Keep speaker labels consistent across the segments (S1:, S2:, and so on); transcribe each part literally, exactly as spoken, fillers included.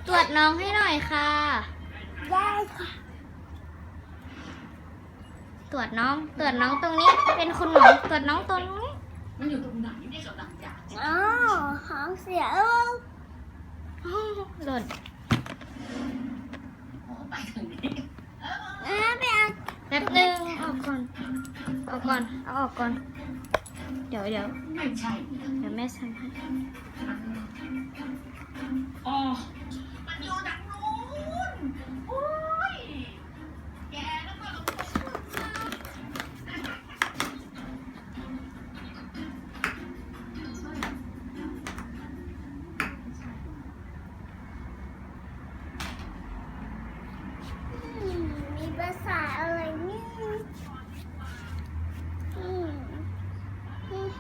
S1: ตรวจน้องให้หน่อยค่ะ
S2: ได้ค่ะ
S1: ตรวจน้อง ตรวจน้องตรงนี้ เป็นคุณหมอ ตรวจน้องตรงนี้
S3: มันอยู่ตรงไหนได้กำลังอยาก
S2: อ๋อหางเสียเออ
S1: หล่น
S3: ขอไปทางนี้
S2: เออไปเอา
S1: แป๊บนึงออกก่อนออกก่อน เอาออกก่อน เดี๋ยวเดี๋ยว
S3: ไม่ใช่
S1: เดี๋ยวแม่ทำให้
S3: อ๋อมันอยู่ดังนู้นโอ้ยแกแล้วก็
S2: อืมมีภาษาอะไรนี่อืมอืม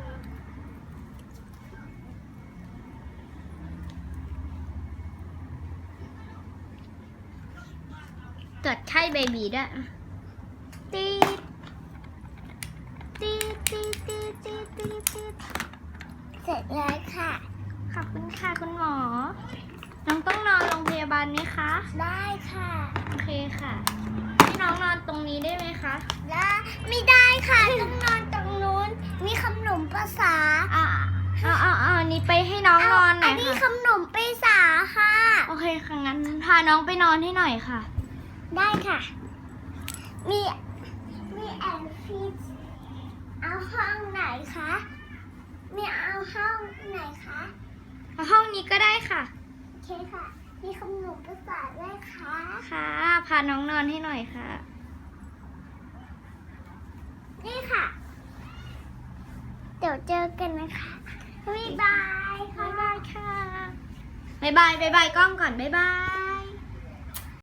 S1: ตรวจไข้เบบีด้วยตีดตีดตีดตีดตีดตีดตีด
S2: เสร็จแล้วค่ะ
S1: ขอบคุณค่ะคุณหมอ น้องต้องนอนโรงพยาบาลไหมคะ
S2: ได้ค่ะ
S1: โอเคค่ะให้น้องนอนตรงนี้ได้ไหมคะ
S2: ได้ไม่ได้ค่ะ ต้องนอนตรงนู้น มีขนมภาษา
S1: อ่าเอาเอาเอาอันนี้ไปให้น้องนอนหน่
S2: อั
S1: อน ย
S2: นี้
S1: ค่ะ
S2: ขนมภาษาค่ะ
S1: โอเคค่ะงั้นพาน้องไปนอนให้หน่อยค่ะ
S2: ได้ค่ะ มีมีแอนฟิชเอาห้องไหนคะ มีเอาห้องไหนคะ
S1: ห้องนี้ก็ได้ค่ะ
S2: โอเคค่ะ มีขนมภาษาด้วยค่ะ
S1: ค่ะ พาน้องนอนให้หน่อยค่ะ
S2: นี่ค่ะ เดี๋ยวเจอกันนะคะบ๊ายบายค่ะ
S1: บ๊ายบายค่ะ บ๊ายบาย บ๊ายบายกล้องก่อน บ๊ายบาย